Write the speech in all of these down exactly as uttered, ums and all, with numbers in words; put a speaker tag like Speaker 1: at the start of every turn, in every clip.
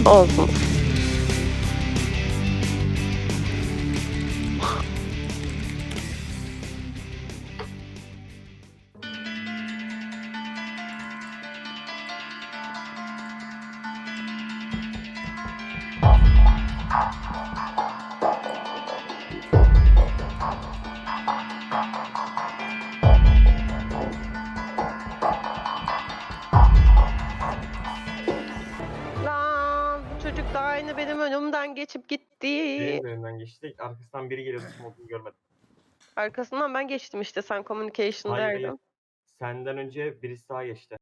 Speaker 1: Olsun. Lan bu çocuk da aynı benim önümden geçip gitti.
Speaker 2: Benim de önümden geçti. Arkasından biri geliyordu, kim olduğunu görmedim.
Speaker 1: Arkasından ben geçtim işte, sen
Speaker 2: Hayır hayır.
Speaker 1: communication'daydın.
Speaker 2: Senden önce birisi daha geçti.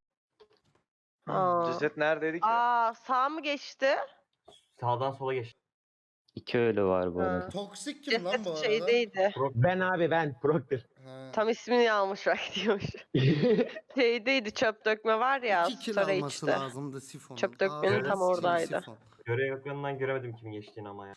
Speaker 1: Aa.
Speaker 3: Ceset neredeydi ki?
Speaker 1: Aa, sağ mı geçti?
Speaker 2: Sağdan sola geçti.
Speaker 4: İki ölü var bu
Speaker 1: Ha.
Speaker 4: arada.
Speaker 5: Toksik kim lan bu
Speaker 1: Ceset
Speaker 5: arada?
Speaker 1: şeydeydi.
Speaker 6: Ben abi ben Proctor.
Speaker 5: Ha.
Speaker 1: Tam ismini almış bak diyormuş. Şeydeydi, çöp dökme var ya,
Speaker 5: İki kill alması
Speaker 1: storage'de.
Speaker 5: lazımdı Sifon'un.
Speaker 1: Çöp dökmenin
Speaker 2: tam
Speaker 1: oradaydı.
Speaker 5: Sifon.
Speaker 2: Görev ekranından göremedim kimin geçtiğini ama ya.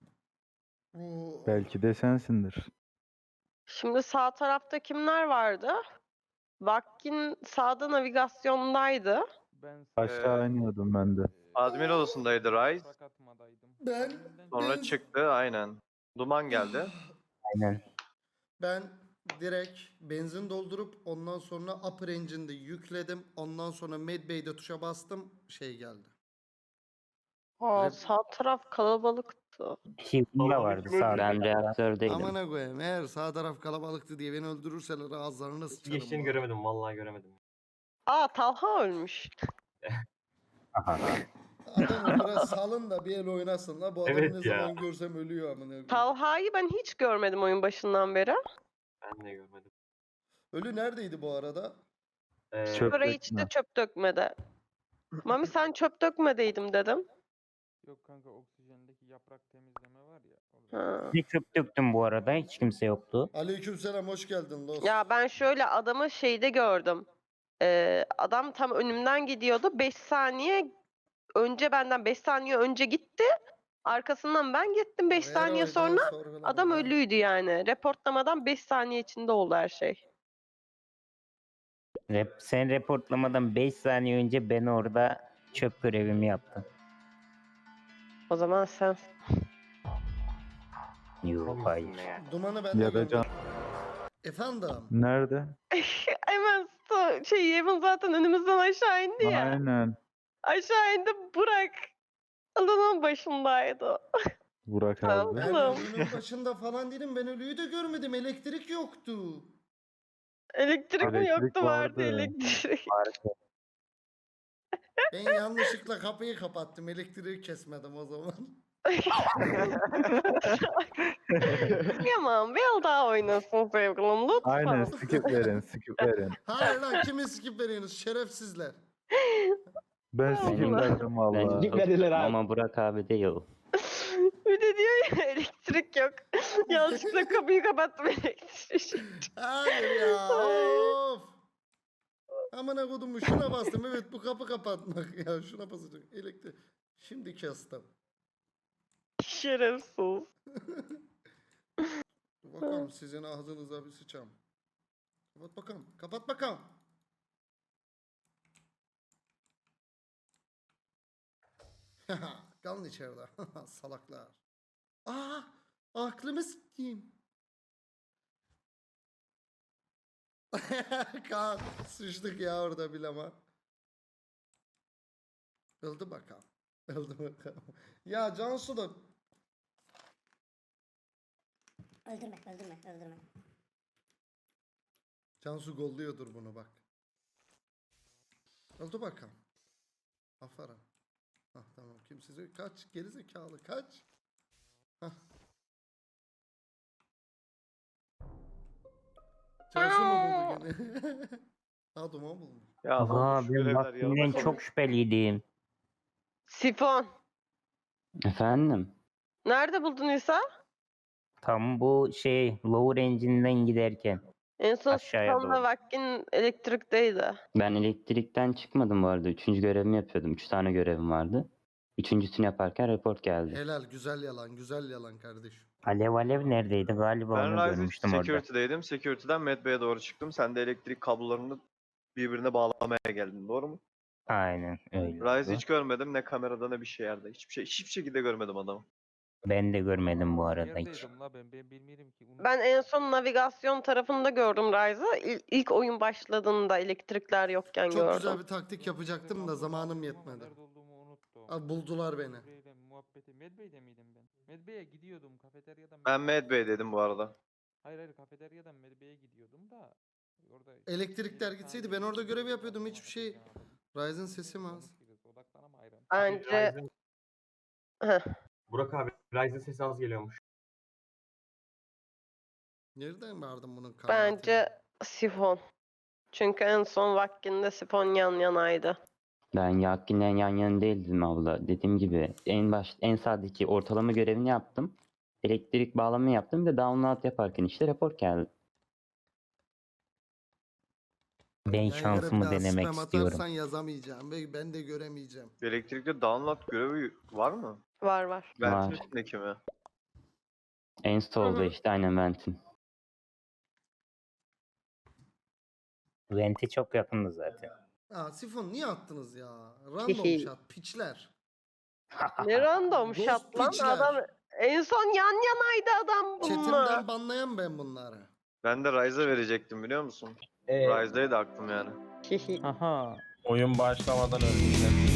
Speaker 5: Bu...
Speaker 7: Belki de sensindir.
Speaker 1: Şimdi sağ tarafta kimler vardı? Vakkin sağda navigasyondaydı.
Speaker 8: Ben
Speaker 7: Aşağı
Speaker 3: Ee,
Speaker 7: iniyordum ben de.
Speaker 3: Admin odasındaydı Rise.
Speaker 5: Ben...
Speaker 3: Sonra
Speaker 5: ben-
Speaker 3: çıktı aynen. Duman geldi.
Speaker 4: Aynen.
Speaker 5: Ben direkt benzin doldurup ondan sonra upper engine'de yükledim. Ondan sonra medbay'de tuşa bastım. Şey geldi.
Speaker 1: Aa,
Speaker 5: Rep-
Speaker 1: sağ taraf kalabalıktı.
Speaker 4: Hivla vardı sağda. Ben reaktördeydim.
Speaker 5: Amına koyayım, eğer sağ taraf kalabalıktı diye beni öldürürseler ağızlarını
Speaker 2: Kim
Speaker 5: sıçarım.
Speaker 2: geçtiğini
Speaker 5: bu
Speaker 2: göremedim, vallahi göremedim.
Speaker 1: Aa, Talha ölmüş.
Speaker 4: Aha.
Speaker 5: Adamı biraz salın da bir el oynasın la. Bu adamı
Speaker 2: Evet
Speaker 5: ne
Speaker 2: ya.
Speaker 5: zaman görsem ölüyor amına koyayım.
Speaker 1: Talha'yı ben hiç görmedim oyun başından beri.
Speaker 2: Ben de görmedim.
Speaker 5: Ölü neredeydi bu arada?
Speaker 2: Ee,
Speaker 7: Çöp
Speaker 1: Storage'de
Speaker 7: dökme.
Speaker 1: çöp dökmede. Mami sen çöp dökmedeydim dedim.
Speaker 8: Yok kanka, oksijendeki yaprak temizleme var ya. orada.
Speaker 1: Ha.
Speaker 4: Bir çöp döktüm bu arada. Hiç kimse yoktu.
Speaker 5: Aleykümselam, hoş geldin Lost.
Speaker 1: Ya ben şöyle adamı şeyde gördüm. Ee, adam tam önümden gidiyordu. beş saniye önce, benden beş saniye önce gitti. Arkasından ben gittim beş
Speaker 5: Ver
Speaker 1: saniye
Speaker 5: oydan
Speaker 1: sonra.
Speaker 5: sorgulama
Speaker 1: Adam
Speaker 5: ya.
Speaker 1: ölüydü yani. Reportlamadan beş saniye içinde oldu her şey.
Speaker 4: Rep, sen reportlamadan beş saniye önce ben orada çöp görevimi yaptım.
Speaker 1: O zaman sen.
Speaker 4: Yok hayır.
Speaker 5: Dumanı ben de
Speaker 7: Ya da
Speaker 5: gönder.
Speaker 7: can.
Speaker 5: Efendim?
Speaker 7: Nerede?
Speaker 1: Hemen sto- şey Yemin zaten önümüzden aşağı indi ya.
Speaker 7: Aynen.
Speaker 1: Aşağı indi, Burak. Alanın başındaydı o.
Speaker 7: Burak
Speaker 1: Tamam.
Speaker 7: abi.
Speaker 5: Ben
Speaker 1: Oğlum.
Speaker 5: ölünün başında falan değilim. Ben ölüyü de görmedim. Elektrik yoktu.
Speaker 1: Elektrik mi
Speaker 7: Elektrik
Speaker 1: yoktu, vardı
Speaker 7: vardı.
Speaker 1: elektrik.
Speaker 5: Ben yanlışlıkla kapıyı kapattım. Elektriği kesmedim o zaman.
Speaker 1: Yaman bir el daha oynasın sevgilim lütfen.
Speaker 7: Aynen skip verin skip verin.
Speaker 5: Hayır lan, kimi skip veriyorsunuz şerefsizler.
Speaker 7: Ben skip
Speaker 1: Allah.
Speaker 7: verdim valla.
Speaker 4: Ben
Speaker 6: Verdiler abi.
Speaker 4: ama Burak abi değil.
Speaker 1: Bir de diyor ya elektrik yok. Yanlışlıkla kapıyı kapattım, elektrik.
Speaker 5: Hayır ya, of. Amına kodumu, şuna bastım. Evet, bu kapı kapatmak ya. Şuna basacak. Elektrik. Şimdi kestim.
Speaker 1: Şerefsiz.
Speaker 5: Dur bakalım, sizin ağzınıza bir sıçam. Kapat bakalım. Kapat bakalım. Kalın içeride. Salaklar. Aa, aklımı sikeyim. Kaan, sıçtık ya orada bile ama. Öldü bakalım. Öldü bakalım. Ya Cansu da
Speaker 9: Öldürme, öldürme, öldürme.
Speaker 5: Cansu golluyordur bunu bak. Öldü bakalım. Aferin. Hah, tamam, kimsiz kaç, geri zekalı kaç. Hah. Cansu mu buldu gene? Ha, duman bulmuş.
Speaker 3: Ya
Speaker 4: Aa,
Speaker 3: lan şu
Speaker 4: ben
Speaker 3: görevler
Speaker 4: vaktinden
Speaker 3: yalnız
Speaker 4: çok şüpheliydim.
Speaker 1: Sifon.
Speaker 4: Efendim?
Speaker 1: Nerede buldun İsa?
Speaker 4: Tam bu şey lower engine'den giderken.
Speaker 1: En son
Speaker 4: Aşağıya
Speaker 1: Sifon'la
Speaker 4: doğru.
Speaker 1: Vakkin elektrikteydi.
Speaker 4: Ben elektrikten çıkmadım bu arada. Üçüncü görevimi yapıyordum. Üç tane görevim vardı. Üçüncüsünü yaparken report geldi.
Speaker 5: Helal, güzel yalan, güzel yalan kardeşim.
Speaker 4: Alev Alev neredeydi? Galiba
Speaker 3: Ben
Speaker 4: onu
Speaker 3: Rise'ın
Speaker 4: görmüştüm orada.
Speaker 3: security'deydim. Security'den Medbay'e doğru çıktım. Sen de elektrik kablolarını birbirine bağlamaya geldin. Doğru mu?
Speaker 4: Aynen öyle.
Speaker 3: Rise
Speaker 4: oldu.
Speaker 3: hiç görmedim ne kamerada ne bir şey yerde. Hiçbir şey hiçbir şekilde görmedim adamı.
Speaker 4: Ben de görmedim bu arada hiç.
Speaker 8: Neredeydim la ben? Ben bilmiyorum ki. Unuttum.
Speaker 1: Ben en son navigasyon tarafında gördüm Rise'ı. İl- İlk oyun başladığında elektrikler yokken
Speaker 5: Çok
Speaker 1: gördüm.
Speaker 5: güzel bir taktik yapacaktım da zamanım yetmedi.
Speaker 8: Nerede olduğumu unuttum.
Speaker 5: Abi buldular beni.
Speaker 8: Medbay'de muhabbeti. Medbay'de miydim ben? Medbay'e gidiyordum kafeteryadan.
Speaker 3: Ben Mad Bey dedim bu arada.
Speaker 8: Hayır hayır kafeteryadan Medbay'e gidiyordum da. Orada
Speaker 5: Elektrikler
Speaker 8: bir
Speaker 5: gitseydi
Speaker 8: saniye
Speaker 5: ben orada görev
Speaker 8: geçti,
Speaker 5: yapıyordum,
Speaker 8: muhabbet
Speaker 5: hiçbir şey-
Speaker 8: yapamadım.
Speaker 5: Ryzen sesi mi az?
Speaker 8: Konuşuyoruz, odaklanama
Speaker 1: Bence
Speaker 2: Ryzen-
Speaker 1: Heh.
Speaker 2: Burak abi Ryzen sesi az geliyormuş.
Speaker 5: Nereden vardın bunun kanaatine?
Speaker 1: bence Sifon. Çünkü en son vaktinde Sifon yan yanaydı.
Speaker 4: Ben Yakin'le yan yana değildim abla. Dediğim gibi en baş en sağdaki ortalama görevini yaptım. Elektrik bağlama yaptım ve download yaparken işte rapor geldi. Ben
Speaker 5: Yayınlara bir
Speaker 4: şansımı
Speaker 5: daha
Speaker 4: denemek
Speaker 5: spam
Speaker 4: istiyorum.
Speaker 5: atarsan yazamayacağım ve ben de göremeyeceğim.
Speaker 3: Elektrikte download görevi var mı?
Speaker 1: Var var.
Speaker 3: Ventin
Speaker 4: Var.
Speaker 3: üstündeki mi?
Speaker 4: Install'da
Speaker 1: Hı hı.
Speaker 4: işte aynen Vent'in. Vent'e çok yakındı zaten.
Speaker 5: Aa Sifon niye attınız ya? Random shot piçler.
Speaker 1: Ne random
Speaker 5: Ghost
Speaker 1: shot lan
Speaker 5: piçler.
Speaker 1: adam. En son yan yanaydı adam bununla.
Speaker 5: Chatimden banlayan ben bunları.
Speaker 3: Ben de Rise'a verecektim biliyor musun?
Speaker 6: Ee,
Speaker 3: Rise'daydı aklım yani.
Speaker 8: Aha. Oyun başlamadan öldüm.